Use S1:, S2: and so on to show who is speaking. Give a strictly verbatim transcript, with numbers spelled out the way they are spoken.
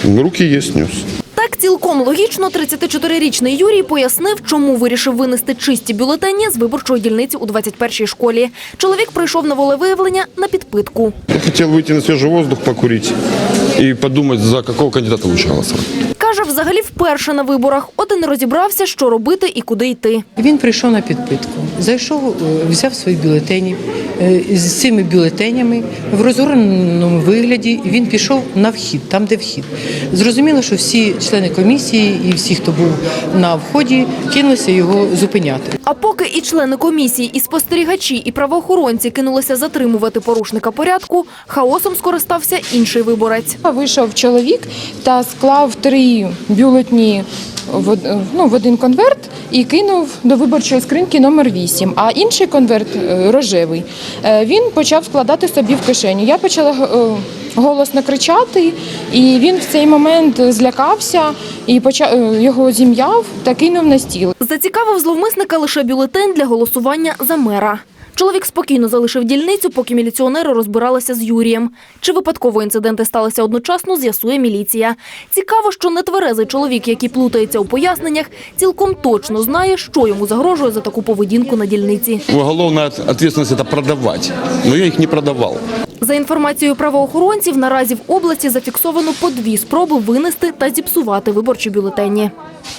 S1: Руки є, снес.
S2: Так цілком логічно тридцятичотирирічний Юрій пояснив, чому вирішив винести чисті бюлетені з виборчої дільниці у двадцять першій школі. Чоловік прийшов на волевиявлення на підпитку.
S1: Я хотів вийти на свіжий воздух, покурити і подумати, за якого кандидата лучше голосувати.
S2: Каже, взагалі вперше на виборах. От і не розібрався, що робити і куди йти.
S3: Він прийшов на підпитку, зайшов, взяв свої бюлетені. З цими бюлетенями в розгорненому вигляді він пішов на вхід, там, де вхід. Зрозуміло, що всі члени комісії і всі, хто був на вході, кинулися його зупиняти.
S2: А поки і члени комісії, і спостерігачі, і правоохоронці кинулися затримувати порушника порядку, хаосом скористався інший виборець.
S4: Вийшов чоловік та склав три бюлетні в, ну, в один конверт і кинув до виборчої скриньки номер вісім, а інший конверт, рожевий, він почав складати собі в кишеню. Я почала голосно кричати, і він в цей момент злякався і почав, його зім'яв та кинув на стіл.
S2: Зацікавив зловмисника лише бюлетень для голосування за мера. Чоловік спокійно залишив дільницю, поки міліціонери розбиралися з Юрієм. Чи випадково інциденти сталися одночасно, з'ясує міліція. Цікаво, що нетверезий чоловік, який плутається у поясненнях, цілком точно знає, що йому загрожує за таку поведінку на дільниці.
S1: Уголовна відповідальність – це продавати, але я їх не продавав.
S2: За інформацією правоохоронців, наразі в області зафіксовано по дві спроби винести та зіпсувати виборчі бюлетені.